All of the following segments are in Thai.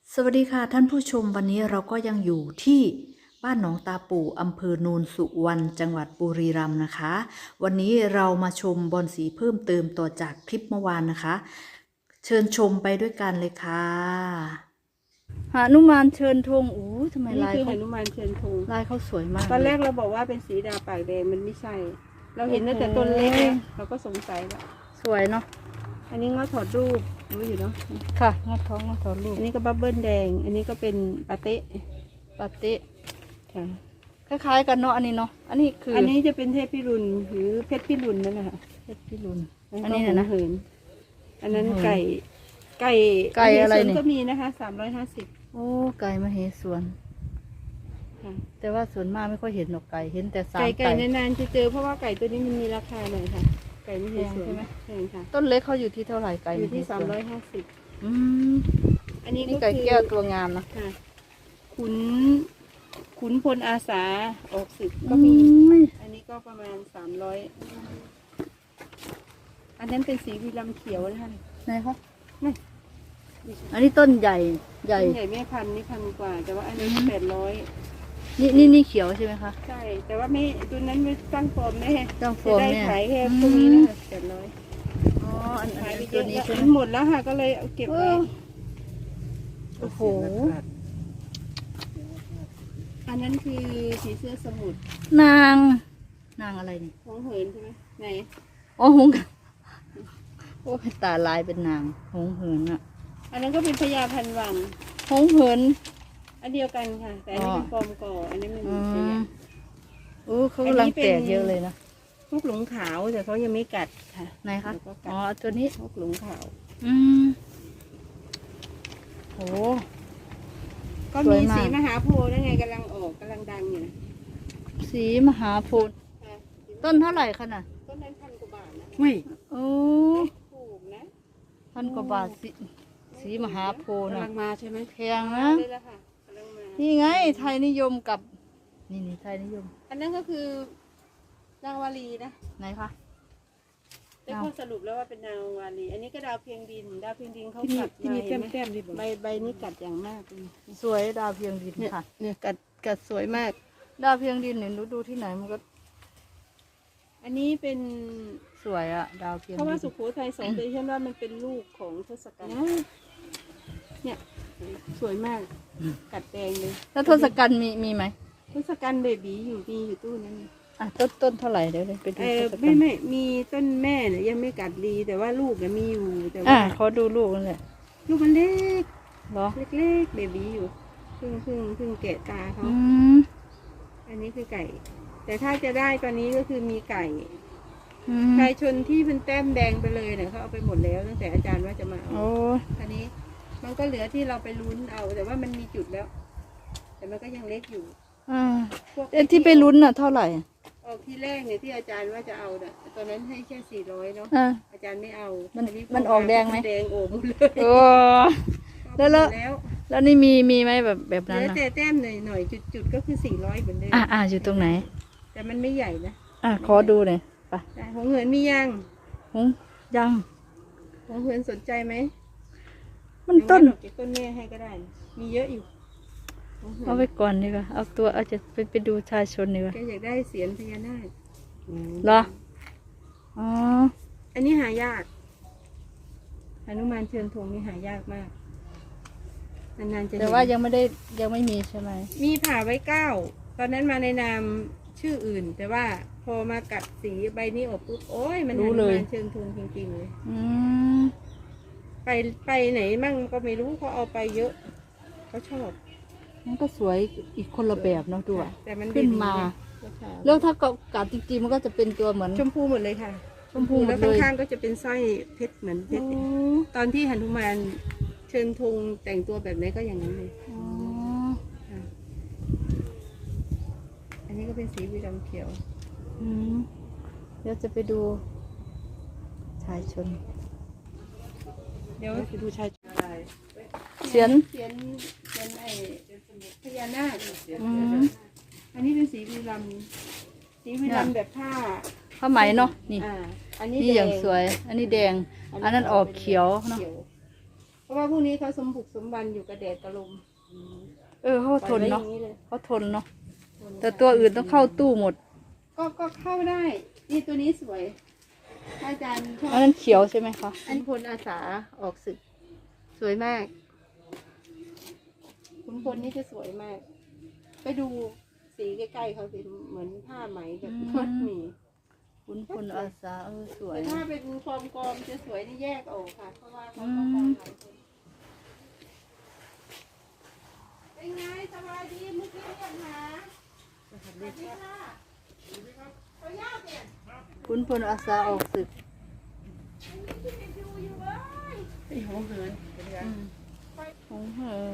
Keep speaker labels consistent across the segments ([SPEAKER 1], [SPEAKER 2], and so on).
[SPEAKER 1] สวัสดีค่ะท่านผู้ชมวันนี้เราก็ยังอยู่ที่บ้านหนองตาปู่อำเภอโนนสุวรรณจังหวัดบุรีรัมย์นะคะ วันนี้เรามาชมบอนสีเพิ่มเติมต่อจากคลิปเมื่อวานนะคะ เชิญชมไปด้วยกันเลยค่ะหานุมานเชิญธงอู้ทำไม
[SPEAKER 2] นี่
[SPEAKER 1] ลาย
[SPEAKER 2] คือห
[SPEAKER 1] เขา
[SPEAKER 2] นุมานเชิญธง
[SPEAKER 1] ลายเขาสวยมาก
[SPEAKER 2] ตอนแรก
[SPEAKER 1] เลย
[SPEAKER 2] เราบอกว่าเป็นสีดาปากแดงมันไม่ใช่ เราเห็นตั้งแต่ต้นเล็กแล้วเราก็สงสัยแล้ว
[SPEAKER 1] สวยเนาะ
[SPEAKER 2] อันนี้ง้อถอดรูปรู้อยู่เนาะ
[SPEAKER 1] ค่ะงอท้องงอท้องลูก
[SPEAKER 2] อันนี้ก็บับเบิ้ลแดง อันนี้ก็เป็นปาเต้
[SPEAKER 1] ปาเต้
[SPEAKER 2] ค่ะ
[SPEAKER 1] คล้ายๆกันเนาะอันนี้เนาะอันนี้คือ
[SPEAKER 2] อั
[SPEAKER 1] อั
[SPEAKER 2] นนี้จะเป็นเทพพิรุณหรือเพชรพิรุณนั่นแหละค่ะ
[SPEAKER 1] เพชรพิรุณ
[SPEAKER 2] อั
[SPEAKER 1] อั
[SPEAKER 2] น
[SPEAKER 1] น
[SPEAKER 2] นี้
[SPEAKER 1] นี้
[SPEAKER 2] นะ
[SPEAKER 1] นะ
[SPEAKER 2] เหินอันนั้น
[SPEAKER 1] เหิน
[SPEAKER 2] ไก่
[SPEAKER 1] ไก่อะไรนี่
[SPEAKER 2] ก็มีนะคะ350
[SPEAKER 1] โอ้ไก่มเหสวน
[SPEAKER 2] ค่ะ
[SPEAKER 1] แต่ว่าส่วนมากไม่ค่อยเห็นหรอกไก่เห็นแต่สาม
[SPEAKER 2] ไก่นานๆจะเจอเพราะว่าไก่ตัวนี้มันมีราคาหน่อยค่ะ ไก่ไม่ใช่สวน
[SPEAKER 1] แพงใช่ไหม
[SPEAKER 2] แพงค่ะ
[SPEAKER 1] ต้นเล็กเขาอยู่ที่เท่าไหร่ไก่
[SPEAKER 2] อยู่ที่
[SPEAKER 1] มเหสวน
[SPEAKER 2] 350
[SPEAKER 1] อืม
[SPEAKER 2] อันนี้
[SPEAKER 1] นี่
[SPEAKER 2] ก็
[SPEAKER 1] ไก่
[SPEAKER 2] คือ
[SPEAKER 1] แก้วตัวงามนะ
[SPEAKER 2] ค่ะขุนพลอาสาออกศึกก็มี อันนี้ก็ประมาณ300อันนั้นเป็นสีวีรัมเขียวนะคะ
[SPEAKER 1] ไหนคะ
[SPEAKER 2] นี่
[SPEAKER 1] อันนี้ต้นใหญ่ใหญ่
[SPEAKER 2] ต้นใหญ่แม่พันธุ์นี่1,000 กว่า แต่ว่าอันนี้800
[SPEAKER 1] นี่เขียวใช่ไหมคะ
[SPEAKER 2] ใช่ แต่ว่าไม่ตัวนั้นไม่ตั้งฟอร์มแม่
[SPEAKER 1] ตั้งฟ
[SPEAKER 2] จะ
[SPEAKER 1] อร์ม
[SPEAKER 2] ได้
[SPEAKER 1] เนี่ย
[SPEAKER 2] ขายแค่พวกนี้นะคะ800
[SPEAKER 1] อ๋ออัน
[SPEAKER 2] ขายไปเย
[SPEAKER 1] ตัว
[SPEAKER 2] อะ
[SPEAKER 1] นี้
[SPEAKER 2] แล้ว
[SPEAKER 1] ใช่ไหม
[SPEAKER 2] มันหมดแล้วค่ะก็เลยเอาเก็บไว้
[SPEAKER 1] โอ้โห
[SPEAKER 2] อันนั้นคือผีเสื้อสมุทร
[SPEAKER 1] นางอะไรนี่
[SPEAKER 2] ของเหินใช่ไหมไหน
[SPEAKER 1] อ๋อหงส์โอ้ยตาลายเป็นนางหงส์เหินอะ
[SPEAKER 2] อันนั้นก็เป็นพญาพันวัง
[SPEAKER 1] หงส์เหิน
[SPEAKER 2] อันเดียวกันค่ะ แต่อันนี้เป็นฟอร์มก่ออันนี้มัน
[SPEAKER 1] อื
[SPEAKER 2] พญาม
[SPEAKER 1] โอ้เขากำลังแตกเยอะเลยนะ
[SPEAKER 2] พวกหลงขาวแต่เขายังไม่กัดค่ะ
[SPEAKER 1] ไหนคะ
[SPEAKER 2] แล้วก็กัด
[SPEAKER 1] อ๋อตัวนี้
[SPEAKER 2] พวกหลงขาว
[SPEAKER 1] อืมโห
[SPEAKER 2] ก็
[SPEAKER 1] สว
[SPEAKER 2] มี
[SPEAKER 1] ยมาก
[SPEAKER 2] สีมหาโพธิ์นั่นไงกำลังออกกำลังดังอยู่นะ
[SPEAKER 1] สีมหาโพธิ์
[SPEAKER 2] ค่ะ
[SPEAKER 1] ต้นเท่าไหร่คะน่ะ
[SPEAKER 2] ต้นนั้น1,000 กว่าบาทนะ
[SPEAKER 1] ไม่โอ้
[SPEAKER 2] ถูกนะ
[SPEAKER 1] 1,000 กว่าบาทสีมหาโพธิ์
[SPEAKER 2] กำ
[SPEAKER 1] นะ
[SPEAKER 2] ลังมาใช่ไหม
[SPEAKER 1] แพงนะ
[SPEAKER 2] เลยละค่ะกำลังมา
[SPEAKER 1] นี่ไงไทยนิยมกับ นี่ไทยนิยม
[SPEAKER 2] อันนั้นก็คือนางวาลีนะ
[SPEAKER 1] ไหนคะ
[SPEAKER 2] ได้ข้อสรุปแล้วว่าเป็นนางวาลี อันนี้ก็ดาวเพียงดิน ดาวเพียงดินเขา
[SPEAKER 3] ที่มี
[SPEAKER 2] กัด
[SPEAKER 3] ที่มี
[SPEAKER 2] ใบ
[SPEAKER 3] แต้มๆนี่บอก
[SPEAKER 2] ใบนี้กัดอย่างมากเลย
[SPEAKER 1] สวยดาวเพียงดิน
[SPEAKER 2] เนี่ย
[SPEAKER 1] ค่ะ
[SPEAKER 2] เนี่ยกัดสวยมาก
[SPEAKER 1] ดาวเพียงดินเนี่ยดูที่ไหนมันก็
[SPEAKER 2] อันนี้เป็น
[SPEAKER 1] สวยอะดาวเพียง
[SPEAKER 2] เพราะว่า
[SPEAKER 1] ดิน
[SPEAKER 2] สุโขทัยสองเดชันว่ามันเป็นลูกของทศกัณฐ์เนี่ยสวยมาก กัดแดงเลย
[SPEAKER 1] แล้วทศกัณฐ์มีไหม
[SPEAKER 2] ทศกัณฐ์เบบีมีอยู่ตู้นั้น
[SPEAKER 1] อ่ะต้นเท่าไหร่เดี๋ยวไปดูทศกัณฐ์
[SPEAKER 2] ไม่มีต้นแม่เนี่ยยังไม่กัดดีแต่ว่าลูกเนี่ยมีอยู่แต่
[SPEAKER 1] อ่ะ
[SPEAKER 2] ว่า
[SPEAKER 1] ขอดูลูกนั่นแหละ
[SPEAKER 2] ลูกมันเล็ก
[SPEAKER 1] เหรอ
[SPEAKER 2] เล็กๆเบบีอยู่เพิ่งแกะตาเขา
[SPEAKER 1] อืม
[SPEAKER 2] อันนี้คือไก่ แต่ถ้าจะได้ตอนนี้ก็คือมีไก่
[SPEAKER 1] อืม
[SPEAKER 2] ไก่ชนที่เป็นแต้มแดงไปเลยเนี่ยเขาเอาไปหมดแล้วตั้งแต่อาจารย์ว่าจะมาเอา
[SPEAKER 1] โอ้
[SPEAKER 2] อันนี้มันก็เหลือที่เราไปลุ้นเอา แต่ว่ามันมีจุดแล้ว แต่มันก็ยังเล็กอยู่
[SPEAKER 1] อ่า
[SPEAKER 2] พวก
[SPEAKER 1] ที่ไปลุ้นน่ะเท่าไหร่
[SPEAKER 2] ออกที่แรกเนี่ยที่อาจารย์ว่าจะเอาเนี่ยตอนนั้นให้แค่400เนาะ
[SPEAKER 1] อ่า
[SPEAKER 2] อาจารย์ไม่เอา
[SPEAKER 1] มัน
[SPEAKER 2] อั
[SPEAKER 1] มันออกแดงไหม
[SPEAKER 2] แดงโอมเลย
[SPEAKER 1] โอ้ แล้ว
[SPEAKER 2] แล้ว
[SPEAKER 1] แล้วนี่มีไหมแบบ
[SPEAKER 2] เห
[SPEAKER 1] นั้น
[SPEAKER 2] ลือ
[SPEAKER 1] น่ะ
[SPEAKER 2] แต่แต้มหน่อยจุดก็คือ400เหมือนเดิม
[SPEAKER 1] อยู่ตรงไหน
[SPEAKER 2] แต่มันไม่ใหญ่นะ
[SPEAKER 1] ขอดูหน่อยไป
[SPEAKER 2] แต่ของเหินมียัง
[SPEAKER 1] หงยัง
[SPEAKER 2] ของเหินสนใจไหม
[SPEAKER 1] มันต้น
[SPEAKER 2] เดี๋ยวเก็บต้นแม่ให้ก็ได้ มีเยอะอยู่ของเหิน
[SPEAKER 1] เอาไปก่อนดีกว่าเอาจะไปดูชายชนดีกว่า
[SPEAKER 2] แกอยากได้เสียนพญานาค
[SPEAKER 1] เหรออ๋อ
[SPEAKER 2] อันนี้หายากหนุมานเชิญธงนี่หายากมากนานๆจะเห็น
[SPEAKER 1] แต่ว่ายังไม่มีใช่ไหม
[SPEAKER 2] มีผ่าไว้9ตอนนั้นมาในนามชื่ออื่น แต่ว่าพอมากัดสีใบนี้ออกปุ๊บโอ้ยมันหนุมานเชิญธงจริงๆเลย
[SPEAKER 1] อืม
[SPEAKER 2] ไปไหนมั่งก็ไม่รู้เขาเอาไปเยอะเขาชอบ
[SPEAKER 1] มันก็สวยอีกคนละแบบเนาะดูอะ
[SPEAKER 2] แต่มัน
[SPEAKER 1] ขึ้นมา
[SPEAKER 2] ราคา
[SPEAKER 1] แล้วถ้ากัดจริงๆมันก็จะเป็นตัวเหมือน
[SPEAKER 2] ชมพูหมดเลยค่ะ
[SPEAKER 1] ชมพูหม
[SPEAKER 2] แล้
[SPEAKER 1] ด
[SPEAKER 2] ว
[SPEAKER 1] เลย
[SPEAKER 2] ข้างๆก็จะเป็นสร้อยเพชรเหมือนเพชร
[SPEAKER 1] โอ้
[SPEAKER 2] ตอนที่หนุมานเชิญธงแต่งตัวแบบไหนก็อย่างนั้นเลย
[SPEAKER 1] อ๋อ
[SPEAKER 2] ค่ะอันนี้ก็เป็นสีวีดำเขียว
[SPEAKER 1] อืมเดี๋ยวจะไปดูชายชน
[SPEAKER 2] เดี๋ยวไปดูชายอะไร
[SPEAKER 1] เสียน
[SPEAKER 2] เขียนไอ้พญานาค
[SPEAKER 1] อืม
[SPEAKER 2] อันนี้เป็นสีวีรัมสีวีรัมแบบผ้า
[SPEAKER 1] ผ้าไหมเนาะนี่
[SPEAKER 2] อันนี้
[SPEAKER 1] นี่อย่าง
[SPEAKER 2] แด
[SPEAKER 1] สวย อันนี้แดง อันนั้นออกเขียวเนาะ
[SPEAKER 2] ขียวราะว่าพวกนี้เขาสมบุกสมบันอยู่กับแดดกับลม
[SPEAKER 1] เขาทนเนาะ
[SPEAKER 2] ปล่อยไว้อย่งลย
[SPEAKER 1] เขาทนเนาะแต่ตัวอื่นต้องเข้าตู้หมด
[SPEAKER 2] ก็เข้าได้ นี่ตัวนี้สวยอาจารย์ชอบ
[SPEAKER 1] อันนั้นเขียวใช่ไหมคะ
[SPEAKER 2] อันพลอาสาออกศึก สวยมากขุนพลนี่จะสวยมาก ไปดูสีใกล้ๆเขาสิเหมือนผ้าไหมแบบมัดหมี่
[SPEAKER 1] ขุนพลอาสาสวย
[SPEAKER 2] แต่ถ้าเป็นฟอร์มกอมจะสวยนี่แยกออกค่ะ เพราะว่าเขาต้องการหลายคนเป็นไงสบายดีเมื่อกี้เรียกหาสวัสดีค่ะขออนุญาตเนี่ย
[SPEAKER 1] ขุนพลอาสาออกศึก
[SPEAKER 2] ไอ้หัวเหินเป็นไง
[SPEAKER 1] หงเหิน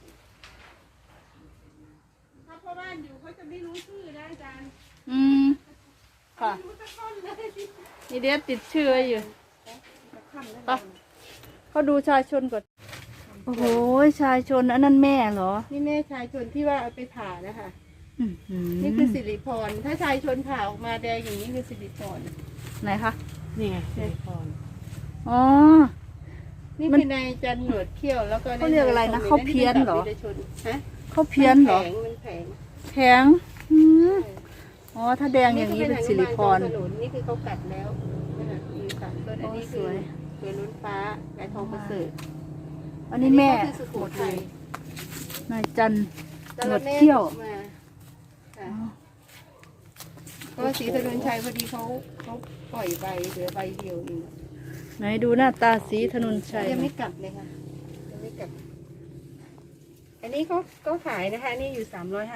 [SPEAKER 2] ถ้าพ่อบ้านอยู่เขาจะไม่รู้ชื่อนะอาจารย์
[SPEAKER 1] ค่ะ
[SPEAKER 2] รู้สักคนเลย
[SPEAKER 1] นี่เด็ดติดชื่อไว้อยู่
[SPEAKER 2] จะค่ำแล้ว
[SPEAKER 1] ปะเขาดูชายชนก่อน โอ้โห ชายชนอันนั้นแม่เหรอ
[SPEAKER 2] นี่แม่ชายชนที่ว่าเอาไปผ่านะคะ
[SPEAKER 1] นี่
[SPEAKER 2] นี่คือสิริพร ถ้าชายชนผ่าออกมาแดงอย่างนี้คือสิริพร
[SPEAKER 1] ไหนคะ
[SPEAKER 2] นี่ไงสิริพร
[SPEAKER 1] อ๋อ
[SPEAKER 2] นี่
[SPEAKER 1] มัน
[SPEAKER 2] คือนายจันหนวดเขี้ยวแล้วก็
[SPEAKER 1] เขาเรียกอะไรนะเขาเพี้ยนเหรอ
[SPEAKER 2] ฮะ
[SPEAKER 1] เขาเพี้ยนเหรอ
[SPEAKER 2] มันแผง
[SPEAKER 1] แข็งอ๋อ ถ้าแดงอย่างนี้เป็นสิริพร
[SPEAKER 2] ขนุนนี่คือเขากัดแล้วนะคะมีสามต้นอันนี้
[SPEAKER 1] โอ้
[SPEAKER 2] คื
[SPEAKER 1] ส
[SPEAKER 2] อ
[SPEAKER 1] วย
[SPEAKER 2] เรือลุ้นฟ้าไก่ทองประเสริฐ
[SPEAKER 1] อันนี้แม่
[SPEAKER 2] ก็คือสุโขทัย
[SPEAKER 1] นายจันทร์
[SPEAKER 2] แล้ว
[SPEAKER 1] หนวด
[SPEAKER 2] แม่
[SPEAKER 1] เขี้ยว
[SPEAKER 2] มาค่ะก็ศรีถนนชัยพอดีเขาปล่อยใบเหลือใบเดียวเอง
[SPEAKER 1] ไหนดูหน้าตาสีถนนชัย
[SPEAKER 2] ยังไม่กลับเลยค่ะยังไม่กลับ อันนี้เขาก็ขายนะคะอันนี่อยู่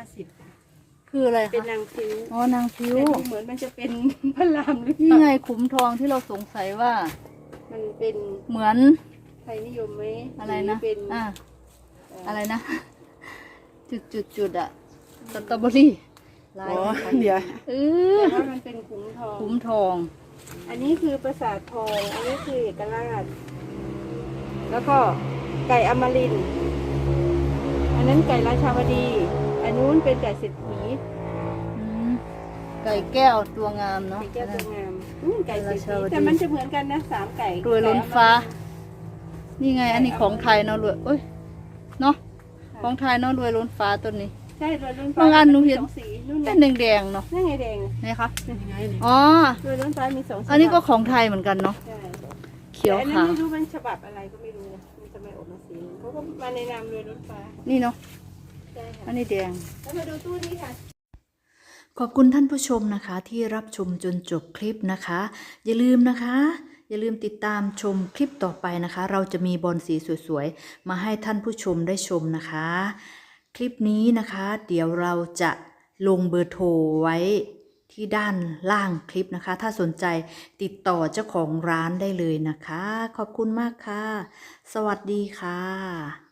[SPEAKER 2] 350
[SPEAKER 1] คืออะไร
[SPEAKER 2] เป็น
[SPEAKER 1] คะ
[SPEAKER 2] นางฟิว
[SPEAKER 1] อ๋อนางฟิว
[SPEAKER 2] แต่ดูเหมือนมันจะเป็นพระรามหรือเป
[SPEAKER 1] นี่
[SPEAKER 2] ล่า
[SPEAKER 1] ไงขุมทองที่เราสงสัยว่า
[SPEAKER 2] มันเป็น
[SPEAKER 1] เหมือน
[SPEAKER 2] ไทยนิยมไหม
[SPEAKER 1] อะไรนะ
[SPEAKER 2] หเป็น
[SPEAKER 1] อะไรนะ จุดอะสตรอเบอรี่ลาย
[SPEAKER 2] เดี๋ยว
[SPEAKER 1] เอ
[SPEAKER 2] แต่
[SPEAKER 1] อ
[SPEAKER 2] ว่ามันเป็นขุมทอง
[SPEAKER 1] ขุมทอง
[SPEAKER 2] อันนี้คือปราสาททอง อันนี้คือเอกราช แล้วก็ไก่อมรินทร์อันนั้นไก่ราชาวดี อันนู้นเป็นไก่เศรษฐี
[SPEAKER 1] ไก่แก้วตัวงามเนาะ
[SPEAKER 2] ไก่แก้วตัวงามไก่เศรษ
[SPEAKER 1] ราชาว
[SPEAKER 2] ฐี
[SPEAKER 1] ดี
[SPEAKER 2] แต่มันจะเหมือนกันนะ3ไก่
[SPEAKER 1] รวยล้นฟ้า นี่ไง อันนี้ของไทยเนาะรวยเอ้ยเนาะของไทยเนาะรวยล้นฟ้าต้นนี้
[SPEAKER 2] ใช่รวยล้นฟ้า
[SPEAKER 1] บางอันหนูเห็น
[SPEAKER 2] มี2 สีนู่น
[SPEAKER 1] เป็
[SPEAKER 2] ไง
[SPEAKER 1] นแดงๆเนาะ
[SPEAKER 2] นั่นไงแดง
[SPEAKER 1] ไหนคะ
[SPEAKER 2] นั่นไง
[SPEAKER 1] อ๋อ
[SPEAKER 2] รวยล้นฟ้ามี2
[SPEAKER 1] อันนี้ก็ของไทยเหมือนกันเนาะ
[SPEAKER 2] ใช่
[SPEAKER 1] เขียว
[SPEAKER 2] แต่อันนั้น
[SPEAKER 1] ขาว
[SPEAKER 2] ไม่รู้มันฉบับอะไรก็ไม่รู้นะมันจะไม่ออกมาสีนึงเขาก็มาในนามรวยล้นฟ้า
[SPEAKER 1] นี่เนาะ
[SPEAKER 2] ใช่ค่ะ
[SPEAKER 1] อันนี้แดง
[SPEAKER 2] แล้วมาดูตู้นี้ค่ะ
[SPEAKER 1] ขอบคุณท่านผู้ชมนะคะที่รับชมจนจบคลิปนะคะ อย่าลืมนะคะ อย่าลืมติดตามชมคลิปต่อไปนะคะ เราจะมีบอลสีสวยๆมาให้ท่านผู้ชมได้ชมนะคะ คลิปนี้นะคะ เดี๋ยวเราจะลงเบอร์โทรไว้ที่ด้านล่างคลิปนะคะ ถ้าสนใจติดต่อเจ้าของร้านได้เลยนะคะ ขอบคุณมากค่ะ สวัสดีค่ะ